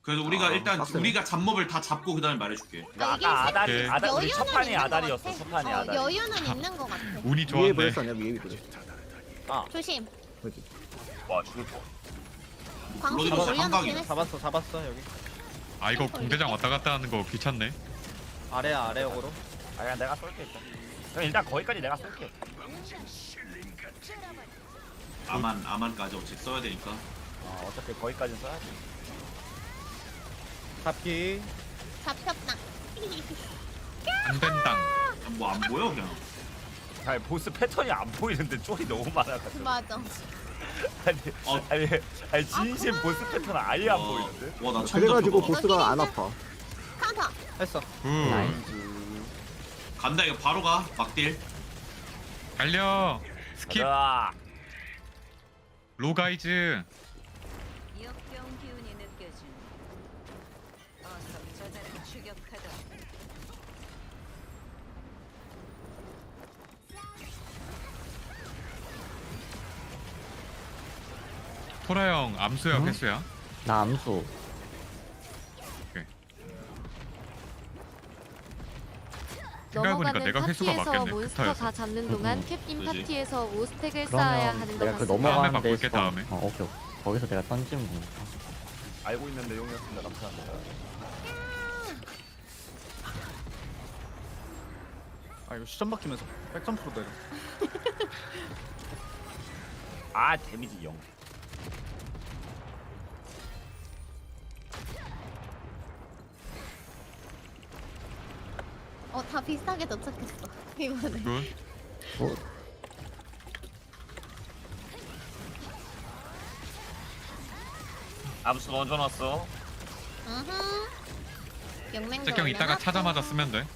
그래서 우리가 일단 빡세네. 우리가 잡몹을 다 잡고 그 다음에 말해줄게. 그러니까 이게 아까 아다리 오케이. 아다 우리 여유는 첫 판이 있는 것 아다리였어. 같아. 첫 판이 아다리. 여유는 있는 것 같아. 위에 운이 좋았네. 브레스 아니야 위에 브레스. 조심. 여기. 와 죽을 뻔. 광수 블러드 올려놓긴 한방이야. 했어. 잡았어 여기. 아 이거 공대장 왔다 갔다 하는 거 귀찮네. 아래역으로. 아 그냥 내가 쏠게 일단. 그럼 일단 거기까지 내가 쏠게. 아만까지 어차피 써야 되니까. 어차피 거기까지 써야지. 잡기. 잡혔다. 안 된당. 뭐 안 보여 그냥. 아니 보스 패턴이 안 보이는데 쫄이 너무 많아가지고. 맞아. 아니 진심 그만. 보스 패턴 아예 안 보이는데. 와나 처음 그래가지고 잡혀봐. 보스가 안 아파. 카운터. 했어. 굿. 간다 이거 바로 가 막딜. 달려. 스킵. 가자. 로가이즈. 역병 기운이 느껴지는 어서 저자를 추격하다. 토라 형 암수야 응? 회수야? 나 암수. 생각해보니까 넘어가는 내가 회수가 파티에서 맞겠네. 몬스터 벡터여서. 다 잡는 동안 응. 캡틴 그지? 파티에서 5스택을 쌓아야 그러면 하는 것 내가 그 같습니다. 넘어가는 다음에 바꿀게, 데서 다음에. 오케이. 거기서 내가 던지면 되니까. 알고 있는 내용이었습니다. 감사합니다. 아 이거 시점 바뀌면서 백점프로 내려. 아 데미지 0. 다 비슷하게 도착했어. 이번에. 굿. 어, 암수 먼저 넣었어. 영맹도 잭형 이따가 올려놨고. 차자마자 쓰면 돼.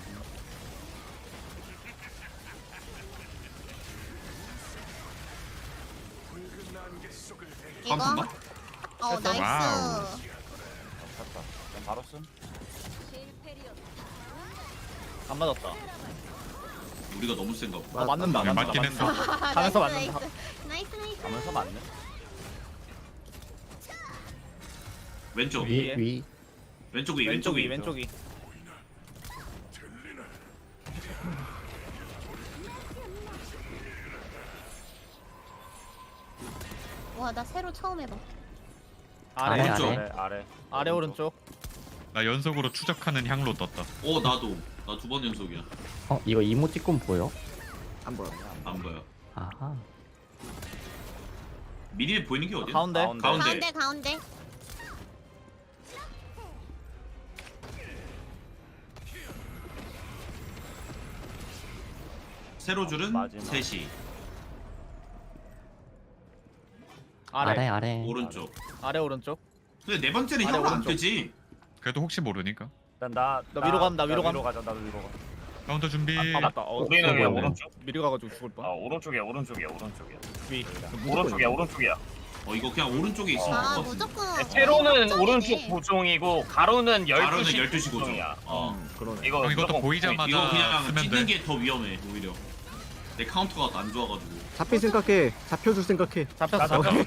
이거. 카운트인가? 나이스. 와우. 샀다. 그냥 바로 쓴. 안 맞았다. 우리가 너무 센가 보다. 아 맞는다. 네, 맞는다. 맞긴 했어. 가면서 나이스, 맞는다. 나이스. 나이스. 가면서 맞네. 왼쪽 위. 왼쪽 위 왼쪽 위. 왼쪽이. 와, 나 새로 처음 해봐. 아래. 아래, 왼쪽. 아래. 아래 오른쪽. 나 연속으로 추적하는 향로 떴다. 나도 나 두 번 연속이야. 이거 이모티콘 보여? 안 보여. 안 보여. 아하. 미리 보이는 게 어디야? 가운데. 가운데. 가운데. 세로줄은 마지막. 3시 아래. 아래. 오른쪽. 아래 오른쪽. 근데 네 번째는 아래 향으로 안 오른쪽. 되지. 그래도 혹시 모르니까. 일단 나 위로 감, 나 위로 감. 위로 가자. 나도 위로 가. 카운터 준비. 아 맞다. 우리는 왜 그냥 뭐야? 오른쪽. 미리 가가지고 죽을 뻔. 오른쪽이야. 위. 오른쪽이야. 이거 그냥 오른쪽에 있으면 아, 될것 같은데. 무조건. 세로는 오른쪽이네. 오른쪽 보종이고 가로는 가로는 12시 12시 고정. 고정이야. 그러네. 이거 형 이것도 무조건 보이자마자 이거 그냥 쓰면 찢는 돼. 게 더 위험해 오히려. 내 카운터가 안 좋아가지고. 잡힐 생각해. 잡혀줄 생각해. 잡혔어.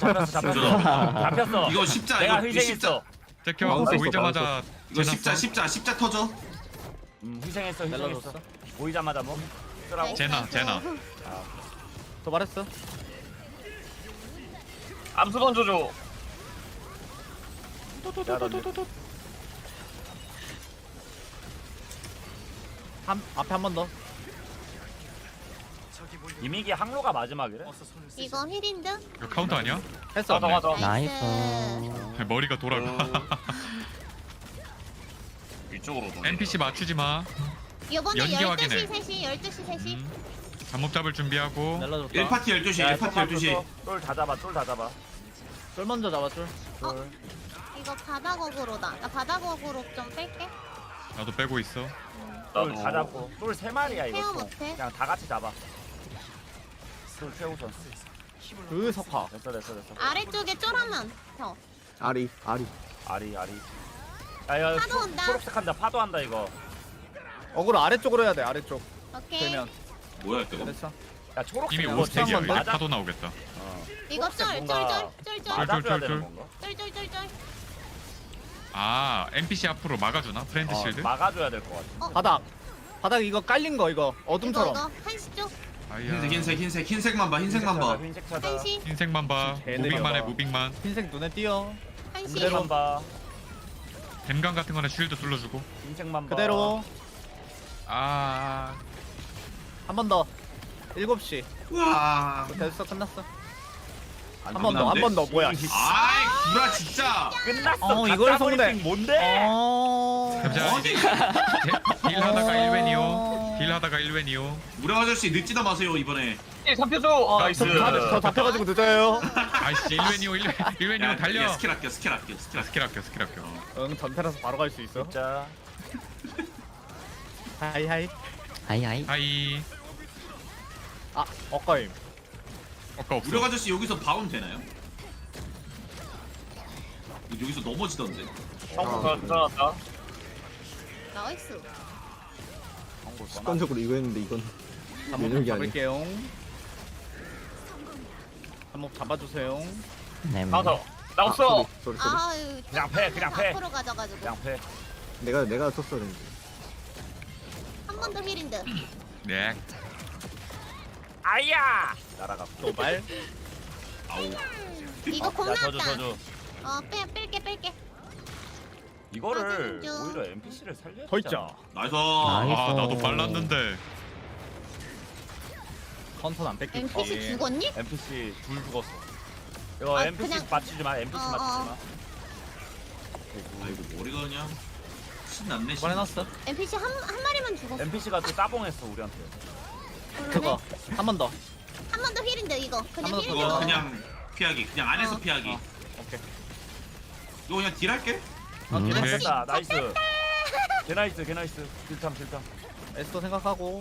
잡혔어. 이거 십자 내가 이거 십자 희생했어. 잭형 마우스 보이자마자 이거 제나 십자 터져. 희생했어. 멜라줬어. 보이자마자 뭐 쓰라고. 네. 제나. 도발했어. 암수 던져줘. 앞에 한 번 더. 이미기 항로가 마지막이래. 이거 힐인드? 이거 카운터 아니야? 했어. 맞아. 나이스. 머리가 돌아가. 위쪽으로 돌려. NPC 맞추지 마. 이번에 연기 12시, 확인해. 3시, 12시, 3시. 잠목 잡을 준비하고. 멜라줬다. 1파티 12시 1파티 12시. 쫄다 잡아. 쫄 먼저 잡아 쫄. 이거 바닥어그로다. 나 바닥어그로 좀 뺄게. 나도 빼고 있어. 쫄다 잡고. 쫄 3마리야 이거. 케어 총. 못해? 그냥 다 같이 잡아. 쫄 최우선. 그 석화. 됐어. 아래쪽에 쫄하면 더. 아리. 아리. 야, 파도 온다. 초록색 한다. 파도한다 이거. 어그로 아래쪽으로 해야 돼. 아래쪽. 오케이. 되면. 뭐야 이거? 됐어. 야 초록색 이미 이거 5스택이야. 한번 이제 맞아? 파도 나오겠다. 이거 쫄, 뭔가- 쫄. 맞아줘야 쫄. 되는 건가? 쫄. 아 NPC 앞으로 막아주나? 프렌드 실드? 막아줘야 될 것 같아. 바닥 이거 깔린 거 이거 어둠처럼. 이거 한시 쪽. 아이야. 흰색만 봐 흰색만 봐. 흰색 찾아. 한시. 흰색만 봐. 쟤네가 무빙만 해 봐. 무빙만. 흰색 눈에 띄어. 한시. 그대로만 봐. 댐감 같은 거는 쉴드 둘러주고. 흰색만 봐. 그대로 아 한 번 더. 7시. 우와. 됐어 끝났어. 안 한 번 더 한 번 더 뭐야? 아이 구라 진짜. 끝났어. 이걸 가짜 속네. 브리핑 뭔데? 잠시만 이제 딜 하다가 1웬이요. 딜 하다가 1웬이요. 무령 아저씨 늦지도 마세요 이번에. 나이스. 저 잡혀가지고 늦어요. 아이씨 1웬이요 1웬이요 달려. 야, 스킬 아껴 스킬 아껴 스킬 아껴. 스킬 아껴. 응 전태라서 바로 갈 수 있어. 진짜. 하이하이. 하이하이. 하이. 아 엇가임. 없어. 무령 아저씨 여기서 바운 되나요? 여기서 넘어지던데. 나이스. 습관적으로 이거 했는데 이건 한번 면역이 아니야. 잡을게요. 한번 잡아주세요. 네. 나 없어. 쏘리. 아유. 그냥 패, 그냥 패. 앞으로 가져가지고. 그냥 패. 내가 썼어 그랬는데. 한 번 더 힐인드. 네. 아야. 날아가. 도발. 이거 공 야 저주 나왔다. 저주. 뺄게. 이거를 맞아, 오히려 NPC를 살려. 더 있자. 나이스. 아 나도 빨랐는데. 컨턴 안 뺏기지. NPC 죽었니? NPC 둘 죽었어. 이거 아, NPC 그냥- 맞추지 마. NPC 어, 맞추지 어. 마. 아이고 머리가 그냥 신났네. 이번에 났어. NPC 한 마리만 죽었어. NPC가 또 따봉했어 우리한테. 그거 한 번 더. 한 번 더 힐인드 이거. 그냥 한번 더 힐인드 그거 넣어. 그냥 피하기. 그냥 안에서 어. 피하기. 오케이. 이거 그냥 딜할게. 음. 네. 됐다. 나이스. 개나이스 개나이스. 딜탐. 에스도 생각하고.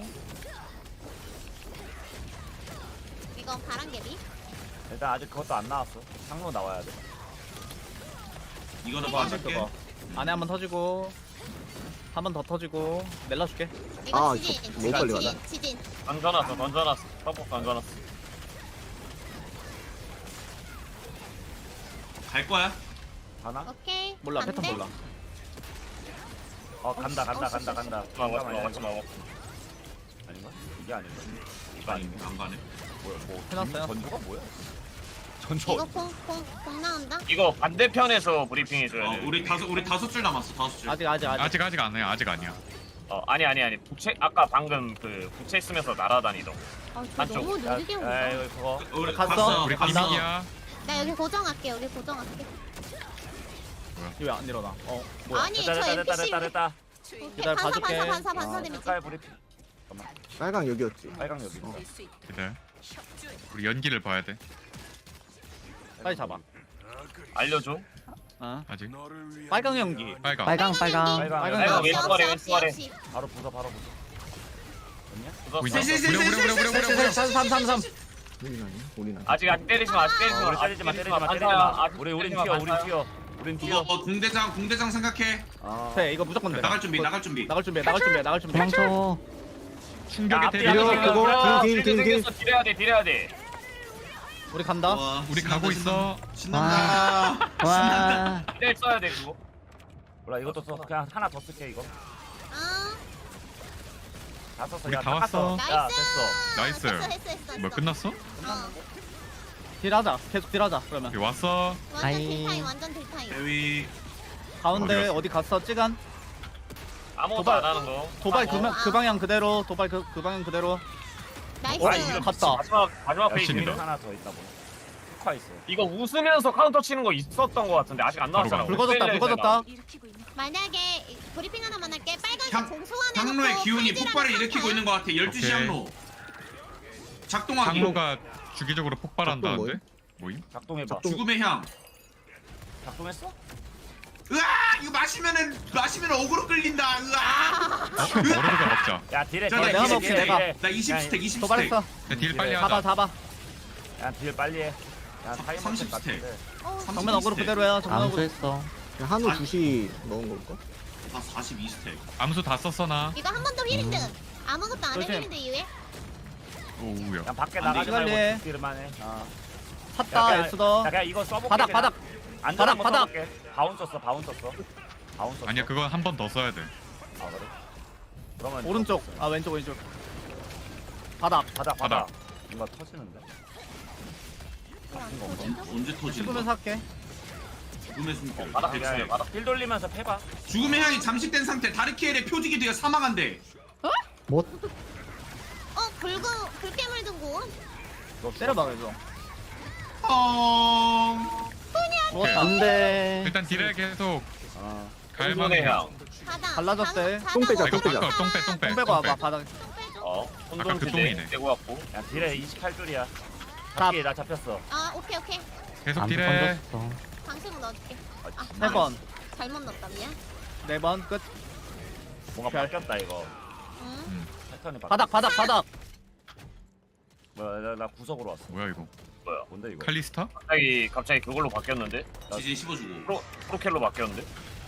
이거 바람개비. 일단 아직 그것도 안 나왔어. 상로 나와야 돼. 이거는 이거 봐줄게. 그거. 안에 한 번 터지고. 한 번 더 터지고. 넬라줄게. 이거 아, 지진. 이거 너무 빨리 가다. 지진. 던져놨어. 떡볶 던져놨어. 갈 거야. 가나? 오케이. 몰라 안 패턴 돼? 몰라. 간다. 맞지 아닌가? 이게 아닌가? 아니 안 가네. 뭐 해놨어요. 전주가 뭐야? 이거 전주 공 나온다. 이거 반대편에서 브리핑 해줘야 돼. 우리 다섯 줄 남았어. 다섯 줄. 아직. 아직 안 해. 아직 아니야. 아니 부채 아까 방금 그 부채 쓰면서 날아다니던. 아, 저 한쪽. 너무 느리게 온다. 이거 그거 우리 갔어? 우리 간다. 기믹이야. 나 여기 고정할게. 왜 안 일어나? 뭐야? 아니 저 NPC. 됐다. 기다려, 봐줄게. 반사 데미지. 색깔 브리핑. 빨강 여기였지. 빨강 여기 있다. 기다려. 우리 연기를 봐야 돼. 빨리 잡아. 알려줘. 아직. 빨강 연기. 빨강. 빨강. 빨강. 없이. 바로 부숴. 보이나? 셋. 무려. 3. 우리 나니. 아직 때리지 마. 때리지 마. 우린 튀어. 그거 공대장 생각해. 돼 이거 무조건 돼. 나갈 준비. 나갈 준비. 도망쳐. 충격의 앞뒤 대비. 앞뒤 그거 긴. 딜해야 돼. 우리 간다. 와, 우리 가고 있어. 신난다. 와. 딜 써야 돼 그거. 몰라 이것도 써. 그냥 하나 더 쓸게 이거. 아, 다 썼어. 우리 야, 다 왔어. 야 나이스. 됐어. 했어. 뭐 끝났어? 딜하자. 계속 딜하자. 그러면 여기 왔어. 완전 아이. 딜타임. 완전 딜타임. 대위. 가운데 어디 갔어? 어디 갔어? 찌간. 아무것도 도발. 안 하는 거. 도발 아, 그 방향 그대로. 도발 그 방향 그대로. 나이스. 이거 갔다. 마지막 페이지. 열심히 하나 더 있다 뭐. 스쿼 있어. 이거 웃으면서 카운터 치는 거 있었던 거 같은데 아직 안 나왔잖아. 바로 붉어졌다. 만약에 브리핑 하나만 할게. 빨간색 향- 공소환해. 향로의 기운이 폭발을 일으키고 있는 것 같아. 12시 오케이. 향로. 작동하기. 항로가 주기적으로 폭발한다는데? 뭐임? 작동해봐. 죽음의 향. 작동했어? 으아! 이거 마시면 어그로 끌린다. 으아! 머리가 먹자. 야 딜해. 자, 내가 먹게, 내가. 나 20스택 20스택. 도발했어. 딜 빨리 잡아. 하자. 야딜 빨리 해. 야 타이머 30 set 스택. 같은데. 정면 어그로 그대로 해요. 정면 어그로. 암수했어. 한우 아니. 2시 넣은 걸까? 다 42스택. 암수 다 썼어 나. 이거 한 번 더 힐인드. 아무것도 안 해. 조심. 힐인드 이후에. 오우야. 그냥 밖에 안 나가지 돼, 말고 빨리. 딜만 해. 샀다. 에스더. 야 그냥 이거 써볼게. 바닥. 안전한 거 바닥. 써볼게. 바운 썼어. 바운스 썼어? 아니야 그건 한 번 더 써야 돼. 아 그래? 그러면 오른쪽. 아 왼쪽 왼쪽. 바닥. 바닥 뭔가 터지는데? 언제 터지는 씹으면서 거? 할게. 죽음의 숨결. 바닥 대체. 그냥 바닥 힐 돌리면서 패봐. 죽음의 향이 잠식된 상태 다르키엘의 표직이 되어 사망한대. 불깨물 등고. 때려봐 그래서. 오케이. 안돼. 일단 딜을 계속 아 갈망해. 손손의 향. 바닥. 갈라졌대. 바닥 똥 빼자, 이거 똥 빼자. 바꿔 똥빼. 똥 빼고 와봐 바닥. 어. 아까 그 손손 똥이네. 기대 떼고 왔고. 야 딜에 28줄이야. 나- 잡기 나 잡혔어. 아 오케이. 계속 안 딜해. 던졌어. 방식으로 넣어줄게. 아, 세 번. 잘못 넣었다 미안. 4번 끝. 뭔가 별. 바뀌었다 이거. 응. 패턴이 바뀌었다. 바닥. 뭐야 나 구석으로 왔어. 뭐야 이거? 뭐야? 뭔데 이거? 칼리스타? 갑자기 그걸로 바뀌었는데? 지진 씹어주고. 프로켈로 바뀌었는데?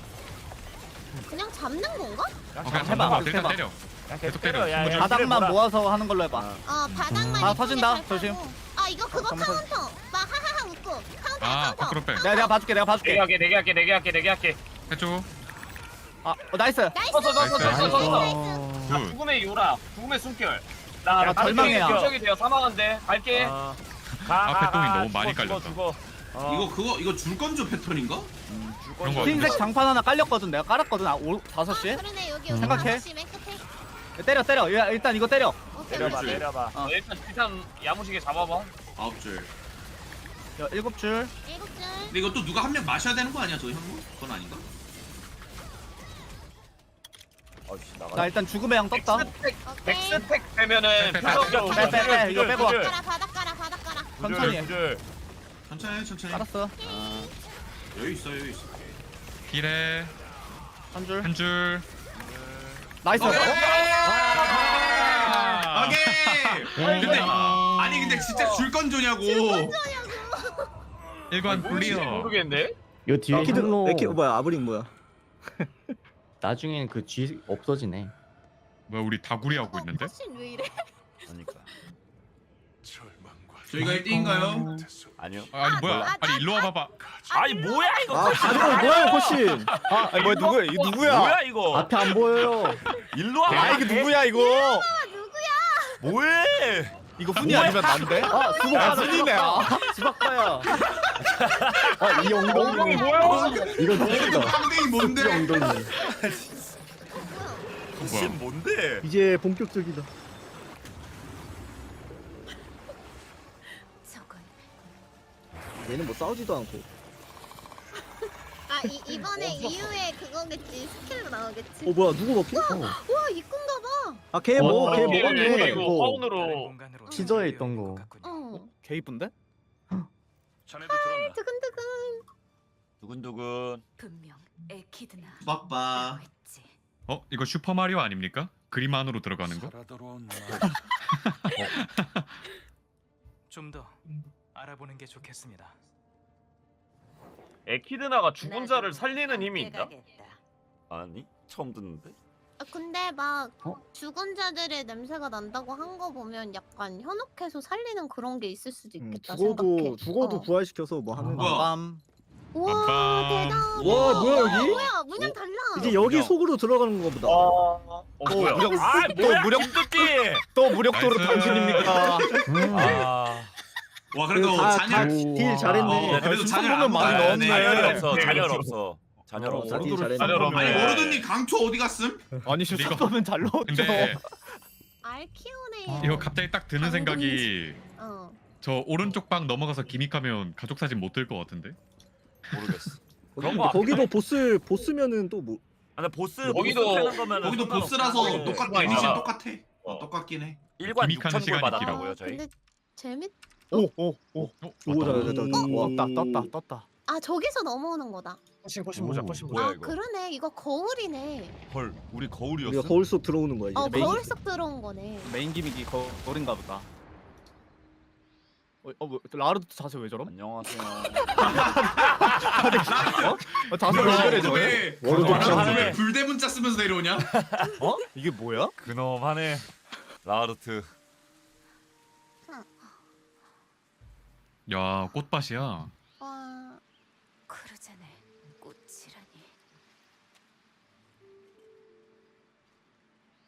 그냥 잡는 건가? 그냥 해봐, 잡는 거 계속 일단 해봐. 때려. 그냥 계속 때려. 때려. 야, 야, 바닥만 딜을 모아서 하는 걸로 해봐. 아. 바닥만. 아, 이쁘게 터진다. 잘 조심. 깔고. 아 이거 그거 잠깐만, 카운터. 막 하하하 웃고. 카운터. 아 카운터. 밖으로 빼. 내가 봐줄게. 내게 할게. 해줘. 아 나이스. 나이스. 굿. 죽음의 요라, 죽음의 숨결. 나 나 절망해야. 적이 되어 사망한데 갈게. 앞에 똥이 너무 많이 깔렸다. 죽어. 이거 줄 건조 패턴인가? 그런 거 흰색 같은데. 장판 하나 깔렸거든. 내가 깔았거든. 5시에. 그러네 여기 생각해. 5시 맨 끝에. 때려. 야, 일단 이거 때려. 오케이. 내려봐 오케이. 내려봐. 어. 일단 야무지게 잡아봐. 9줄. 야, 7줄. 7줄. 근데 이거 또 누가 한 명 마셔야 되는 거 아니야 저 향로? 그건 아닌가? 어이씨 나가. 나 일단 죽음의 양 떴다. 오케이. 백스택 되면은 빼, 표정적 빼. 이거 빼고. 바닥 깔아. 천천히 해. 천천히. 알았어. 여유 있어. 딜해. 한 줄. 한 줄. 나이스. 오케이. 아. 오케이. 근데 진짜 줄 건조냐고. 일관 클리어. 모르겠네. 요 뒤에 에키드 향로 뭐야 아브링 뭐야? 나중엔 그 G 없어지네. 뭐야 우리 다구리 하고 있는데? 훨씬 왜 이래? 그러니까. 저희가 1등인가요? 아니요. 아니 뭐야? 아니 일로 와봐봐. 아니 뭐야 이거? 아 가져가 뭐야 코신? 아니 뭐야 누구야? 이거 누구야? 뭐야 이거? 앞에 안 보여요. 일로 와. 아 이게 누구야 이거? 뭐해? 이거 훈이 아니면 난데? 아 수박파야 훈이네. 수박파야. 아이 엉덩이 뭐야? 이거 이거 누구다? 빵댕이 뭔데? 엉덩이. 무슨 뭔데? 이제 본격적이다. 저건 얘는 뭐 싸우지도 않고. 아 이번에 이후에 그거겠지. 스킬로 나오겠지. 뭐야 누구 먹히? 와 이쁜가 봐. 아걔 뭐? 걔 뭐가 걔? 이거 화운으로 지저에 있던 거. 개 이쁜데? 자네도 들었나? 두근두근. 두근두근. 분명 에키드나 빠빠. 했지. 어 이거 슈퍼 마리오 아닙니까? 그림 안으로 들어가는 거? 좀 더 알아보는 게 좋겠습니다. 에키드나가 죽은 자를 살리는 힘이 있나? 아니 처음 듣는데. 아, 근데 막 어? 죽은 자들의 냄새가 난다고 한 거 보면 약간 현혹해서 살리는 그런 게 있을 수도 있겠다 생각해. 죽어도 부활시켜서 뭐 하는 뭐야? 거. 빰. 우와 빰빰. 대단. 와, 뭐야, 여기? 뭐야 문양 달라. 이제 여기 속으로 들어가는 거보다. 뭐야? 또 무력 또 무력도로 나이스. 당신입니까? 아. 와 그래도 잔열. 딜 잘했네. 어, 그래도 잔열 보면 많이 안 넣었네. 잔열 네. 없어. 잔열 없어. 잔열 어, 없어. 딜 잘했네. 잔열 없네. 아니 모르더니 강초 어디 갔음? 아니 이거- 슈퍼면 잘 넣었죠. 근데 알키오네. 이거 갑자기 딱 드는 생각이 어. 저 오른쪽 방 넘어가서 기믹하면 가족 사진 못 들 것 같은데? 모르겠어. 근데 거기도 보스면은 또 뭐? 아, 근데 보스 거기도- 보스 패는 거면은 거기도 상관없어. 보스라서 네. 똑같 네. 데미지는 어. 똑같아. 똑같긴 해. 1관 기믹하는 6,000불 시간이 받았다고요 아, 저희. 근데 재밌. 오오오 어? 오 맞다. 잘했다. 떴다. 아 저기서 넘어오는 거다. 훨씬 보자. 뭐야 아 이거? 그러네. 이거 거울이네. 헐 우리 거울이었어? 우리가 거울 속 들어오는 거야 이제. 어 메인- 거울 속 들어온 거네. 메인 기믹이 거울인가 보다. 뭐, 라르도 자세 왜 저럼? 안녕하세요. 자세 왜 저래 저래? 왜 워로드 나랑 짱. 왜 불대 문자 쓰면서 내려오냐? 어? 이게 뭐야? 그놈하네. 라르트. 야 꽃밭이야. 와. 크루잔의 꽃이라니.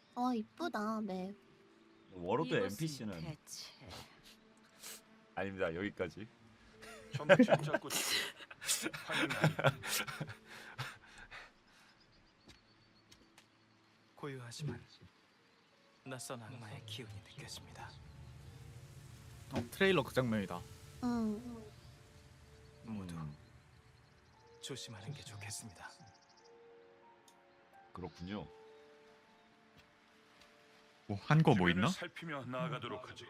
이쁘다 맵. 워로드 이곳은 NPC는 대체 아닙니다. 여기까지. 고요하지만 낯선 악마의 기운이 느껴집니다. 트레일러 그 장면이다. 응. 모두 조심하는 게 좋겠습니다. 그렇군요. 한 거 뭐 있나? 살피며 나아가도록 하지.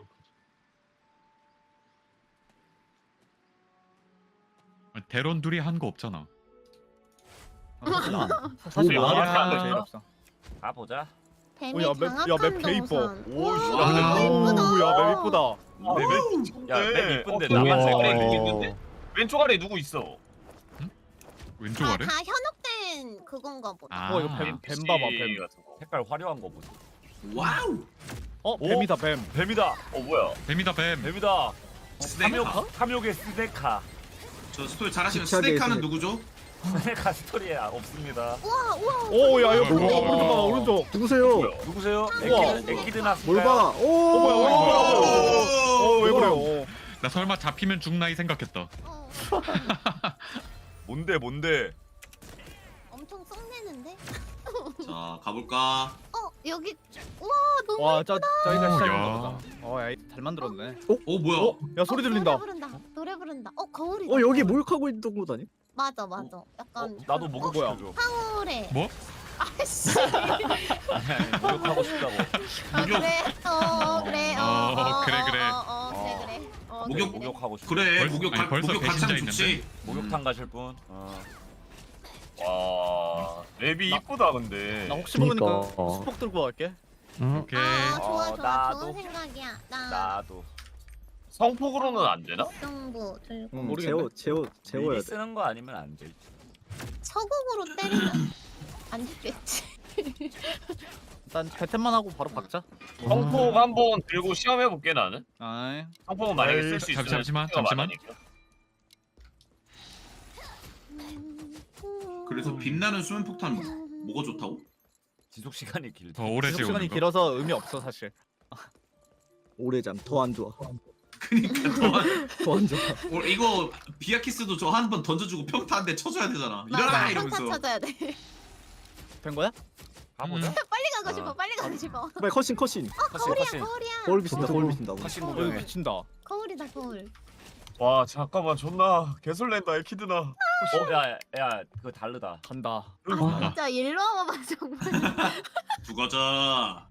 대론 둘이 한 거 없잖아. 사실 오, 나한테 야. 한거 제일 없어. 가 보자. 뱀이 야, 맵 장악한 개 이뻐. 동선. 오, 와, 오야 맵 이쁘다. 맵 이쁜데 나만 나만 색깔이 색깔이 누구 있는데? 왼쪽 아래 누구 있어? 왼쪽 아래? 다 현혹된 그건가 보다. 아, 이거 뱀 봐봐 뱀. 같은 거. 색깔 화려한 거 보자. 와우. 뱀이다 뱀. 뱀이다. 뭐야? 뱀이다 뱀. 뱀이다. 스네카. 탐욕의 스네카. 저 스토리 잘하시는 기차계 스네카는 스네카. 누구죠? 스네카 스토리에 없습니다. 우와. 오야 이거 뭐야, 오른쪽 뭐야. 봐봐, 오른쪽. 누구세요? 누구세요? 우와. 에키드 나스. 뭘 봐? 오. 뭐야. 왜 그래요? 나 설마 잡히면 죽나 이 생각했다. 뭔데? 엄청 썩내는데? 자 가볼까? 여기 우와 너무 와저 저희가 오, 시작인가 야. 보다. 잘 만들었네. 뭐야? 야 소리 들린다. 노래 부른다. 거울이다. 여기 목욕하고 있던 곳 아니? 맞아. 약간 나도 목욕 뭐야? 시켜줘. 황홀해. 뭐? 아씨. 목욕하고 싶다고. 그래. 그래. 그래. 목욕하고 싶다. 그래 벌써- 목욕 아니, 벌써 목욕 같이 하면 배신자 좋지. 목욕탕 가실 분? 와, 맵이 이쁘다 근데. 나 혹시 모르니까 그니까. 수폭 들고 갈게. 오케이. 좋아. 나도. 좋은 생각이야. 나도. 성폭으로는 안 되나? 정보 들고 모르겠네. 재워야 미리 돼. 쓰는 거 아니면 안 돼. 서곡으로 때리면 안 죽겠지. 일단 배템만 하고 바로 박자. 성폭 한번 들고 시험해 볼게 나는. 아이. 성폭은 만약에 쓸 수 있으면 잠시만. 스피드가 많으니까. 그래서 빛나는 수면 폭탄 뭐가 좋다고? 지속 시간이 길다. 더 오래 지속 재우는 시간이 거. 길어서 의미 없어 사실. 오래잠 더 안 좋아. 그니까 더 안 좋아. 이거 비아키스도 저 한 번 던져주고 평타 한 대 쳐줘야 되잖아. 일어나 맞아. 이러면서. 평타 찾아야 돼. 된 거야? 가보자. 빨리 가고 싶어. 빨리 가고 싶어. 빨리 컷신. 거울이야. 거울 비친다. 컷신 여기 구경해. 미친다. 거울이다 거울. 와 잠깐만 존나 개설렌다 에키드나. 야, 그거 다르다. 간다. 진짜 일로 와봐 정말. 죽어져.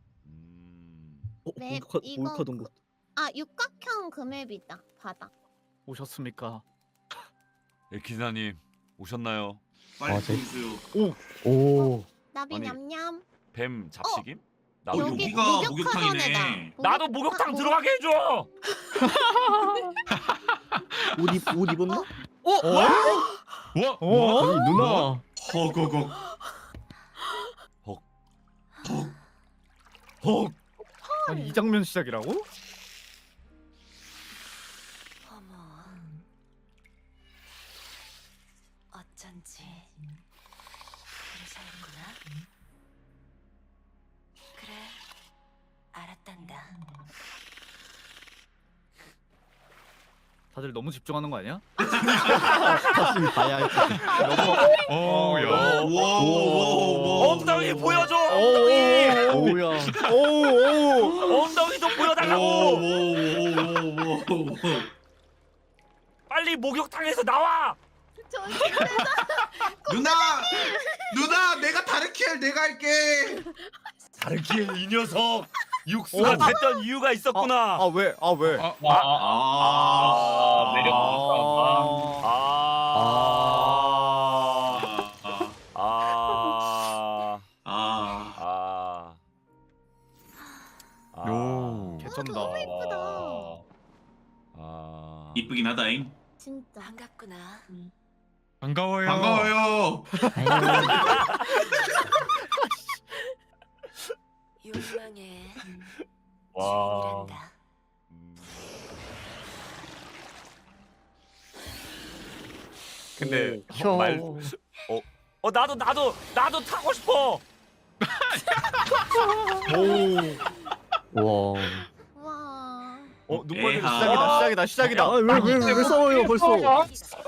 맵, 이거 목욕하던 곳. 육각형 그 맵이다. 바다. 오셨습니까? 에키나님 오셨나요? 빨리 제- 보여주세요. 오. 나비 아니, 냠냠. 뱀 잡식임? 나도 여기 여기가 목욕하던 목욕탕이네. 애다. 나도 목욕탕 들어가게 해줘. 옷 입었나? 와? 아니 누나. 허거거. 아니 이 장면 시작이라고? 어머 어쩐지 그러셨구나. 그래 알았단다. 다들 너무 집중하는 거 아니야? 다시 봐야 할 야. 와. 엉덩이 보여줘. 오야. 엉덩이도 보여달라고. 빨리 목욕탕에서 나와. 누나 내가 다르키엘 내가 할게. 다르키엘 이 녀석 육수가 됐던 이유가 있었구나. 왜? 왜? 매력 요. 개쩐다. 너무 예쁘다. 이쁘긴 하다잉. 진짜 반갑구나. 반가워요. 반가워요. 욕망의 와. 주인이란다. 근데 형. 나도 타고 싶어. 와. 와. 눈멀리 에하. 시작이다. 아왜왜 싸워요 벌써?